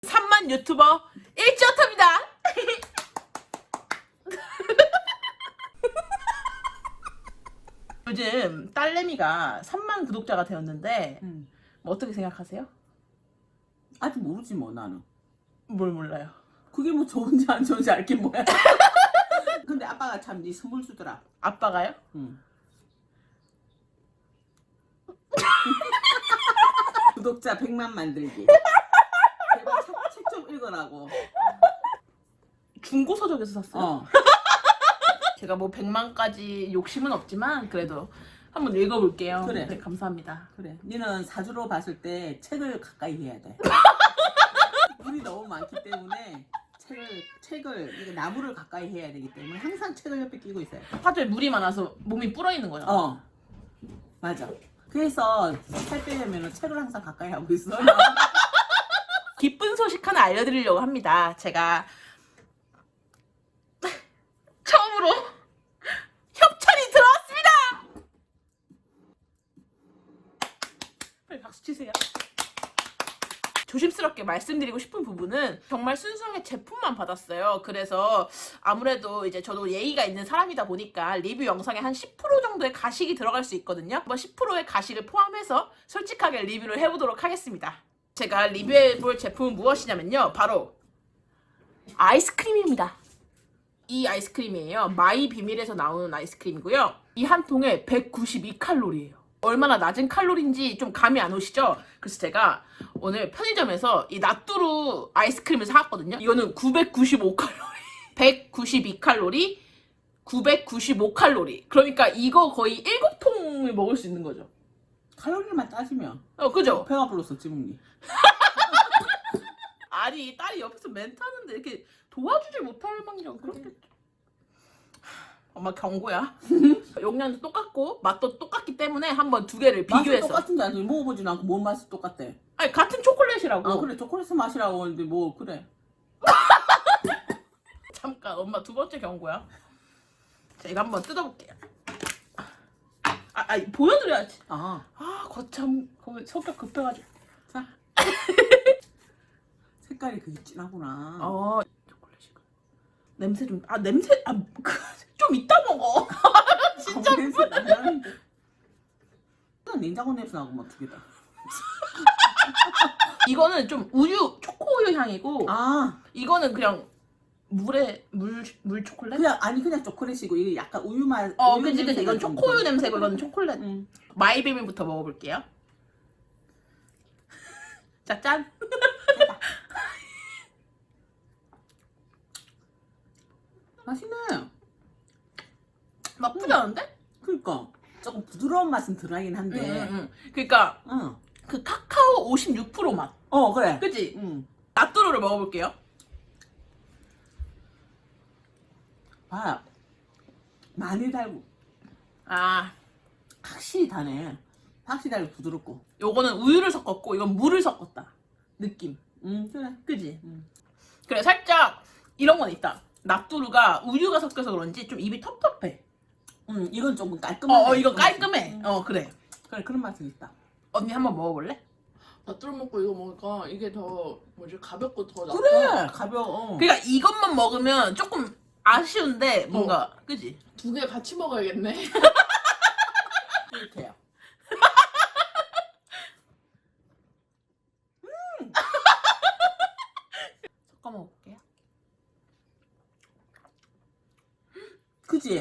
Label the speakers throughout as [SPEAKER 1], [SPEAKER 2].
[SPEAKER 1] 3만 유튜버 일지어터입니다. 요즘 딸내미가 3만 구독자가 되었는데 뭐 어떻게 생각하세요?
[SPEAKER 2] 아직 모르지 뭐 나는.
[SPEAKER 1] 뭘 몰라요.
[SPEAKER 2] 그게 뭐 좋은지 안 좋은지 알긴 뭐야. 근데 아빠가 참 네 선물 주더라.
[SPEAKER 1] 아빠가요?
[SPEAKER 2] 응. 구독자 100만 만들기. 제발 책 좀 읽으라고.
[SPEAKER 1] 중고 서적에서 샀어요.
[SPEAKER 2] 어.
[SPEAKER 1] 제가 뭐 100만까지 욕심은 없지만 그래도 한번 읽어볼게요.
[SPEAKER 2] 그래.
[SPEAKER 1] 네, 감사합니다.
[SPEAKER 2] 그래. 니는 사주로 봤을 때 책을 가까이 해야 돼. 물이 너무 많기 때문에 책을 이게 나무를 가까이 해야 되기 때문에 항상 책을 옆에 끼고 있어요.
[SPEAKER 1] 화조에 물이 많아서 몸이 불어있는 거잖아.
[SPEAKER 2] 어. 맞아. 그래서 살 빼려면 책을 항상 가까이 하고 있어.
[SPEAKER 1] 기쁜 소식 하나 알려드리려고 합니다. 제가 처음으로 협찬이 들어왔습니다. 빨리 박수 치세요. 조심스럽게 말씀드리고 싶은 부분은 정말 순수하게 제품만 받았어요. 그래서 아무래도 이제 저도 예의가 있는 사람이다 보니까 리뷰 영상에 한 10% 정도의 가식이 들어갈 수 있거든요. 한번 10%의 가식을 포함해서 솔직하게 리뷰를 해보도록 하겠습니다. 제가 리뷰해볼 제품은 무엇이냐면요. 바로 아이스크림입니다. 이 아이스크림이에요. 마이 비밀에서 나오는 아이스크림이고요. 이 한 통에 192칼로리예요. 얼마나 낮은 칼로리인지 좀 감이 안 오시죠? 그래서 제가 오늘 편의점에서 이 나뚜루 아이스크림을 사왔거든요. 이거는 995칼로리. 192칼로리, 995칼로리. 그러니까 이거 거의 7통을 먹을 수 있는 거죠.
[SPEAKER 2] 칼로리만 따지면.
[SPEAKER 1] 그죠?
[SPEAKER 2] 배가 불렀어 지문이.
[SPEAKER 1] 아니 딸이 옆에서 멘트하는데 이렇게 도와주지 못할 망정 그렇겠죠. 엄마 경고야. 용량도 똑같고 맛도 똑같기 때문에 한번 두 개를
[SPEAKER 2] 맛이
[SPEAKER 1] 비교해서.
[SPEAKER 2] 똑같은 게 아니고 먹어보진 않고 뭔 맛이 똑같대.
[SPEAKER 1] 아니 같은 초콜릿이라고.
[SPEAKER 2] 아 그래 초콜릿 맛이라고 하는데 뭐 그래.
[SPEAKER 1] 잠깐 엄마 두 번째 경고야. 자 이거 한번 뜯어볼게요. 보여드려야지.
[SPEAKER 2] 아
[SPEAKER 1] 거참 거기 성격 급해가지고.
[SPEAKER 2] 자. 색깔이 그게 진하구나.
[SPEAKER 1] 초콜릿이고. 냄새 좀 냄새 좀 이따 먹어. 진짜
[SPEAKER 2] 냄새 나는데. 냉장고 냄새 나고 막 두 개다.
[SPEAKER 1] 이거는 좀 우유 초코우유 향이고 이거는 그냥 물 초콜릿?
[SPEAKER 2] 그냥 초콜릿이고 이게 약간 우유 맛.
[SPEAKER 1] 그치 이건 초코우유 냄새고 이건 초콜릿. 마이비밀부터 먹어볼게요. 자 짠.
[SPEAKER 2] 맛있네.
[SPEAKER 1] 나쁘지 않은데?
[SPEAKER 2] 그러니까 조금 부드러운 맛은 들어가긴 한데.
[SPEAKER 1] 그러니까
[SPEAKER 2] 응.
[SPEAKER 1] 그 카카오 56% 맛.
[SPEAKER 2] 그래.
[SPEAKER 1] 그치?
[SPEAKER 2] 응.
[SPEAKER 1] 나뚜루를 먹어볼게요.
[SPEAKER 2] 봐. 많이 달고 확실히 다네. 확실히 달고 부드럽고.
[SPEAKER 1] 요거는 우유를 섞었고 이건 물을 섞었다. 느낌.
[SPEAKER 2] 그래.
[SPEAKER 1] 그지? 그래 살짝 이런 건 있다. 나뚜루가 우유가 섞여서 그런지 좀 입이 텁텁해.
[SPEAKER 2] 이건 조금 깔끔해.
[SPEAKER 1] 이거 깔끔해. 그래.
[SPEAKER 2] 그래 그런 맛은 있다.
[SPEAKER 1] 언니 한번 먹어볼래?
[SPEAKER 3] 나뚜루 먹고 이거 먹으니까 이게 더 뭐지 가볍고 더 나.
[SPEAKER 2] 그래 가벼워.
[SPEAKER 1] 그러니까 이것만 먹으면 조금 아쉬운데 뭔가 그지?
[SPEAKER 3] 두 개 같이 먹어야겠네.
[SPEAKER 2] 이렇게요.
[SPEAKER 1] 섞어 먹을게요.
[SPEAKER 2] 그지?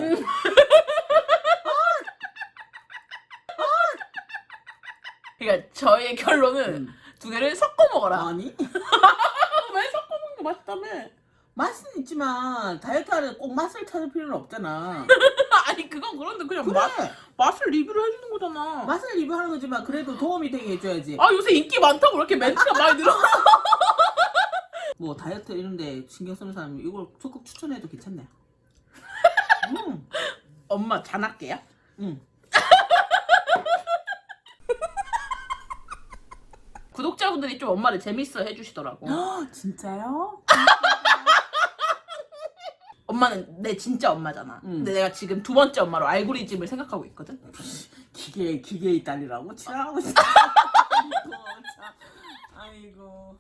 [SPEAKER 1] 그러니까 저의 결론은 두 개를 섞어 먹어라.
[SPEAKER 2] 아니
[SPEAKER 1] 왜 섞어 먹는 게 맛있다며?
[SPEAKER 2] 맛은 있지만 다이어트 하는데 꼭 맛을 찾을 필요는 없잖아.
[SPEAKER 1] 아니 그건 그런데 그냥
[SPEAKER 2] 그래.
[SPEAKER 1] 맛을 리뷰를 해주는 거잖아.
[SPEAKER 2] 맛을 리뷰하는 거지만 그래도 도움이 되게 해줘야지.
[SPEAKER 1] 요새 인기 많다고 이렇게 멘트가 많이 늘어.
[SPEAKER 2] 뭐 다이어트 이런데 신경 쓰는 사람이 이걸 적극 추천해도 괜찮네.
[SPEAKER 1] 엄마 잔할게요.
[SPEAKER 2] 응.
[SPEAKER 1] 구독자분들이 좀 엄마를 재밌어 해주시더라고.
[SPEAKER 2] 진짜요?
[SPEAKER 1] 엄마는 내 진짜 엄마잖아.
[SPEAKER 2] 응.
[SPEAKER 1] 근데 내가 지금 두 번째 엄마로 알고리즘을 생각하고 있거든.
[SPEAKER 2] 기계의 딸이라고 치라고 있어. 아이고.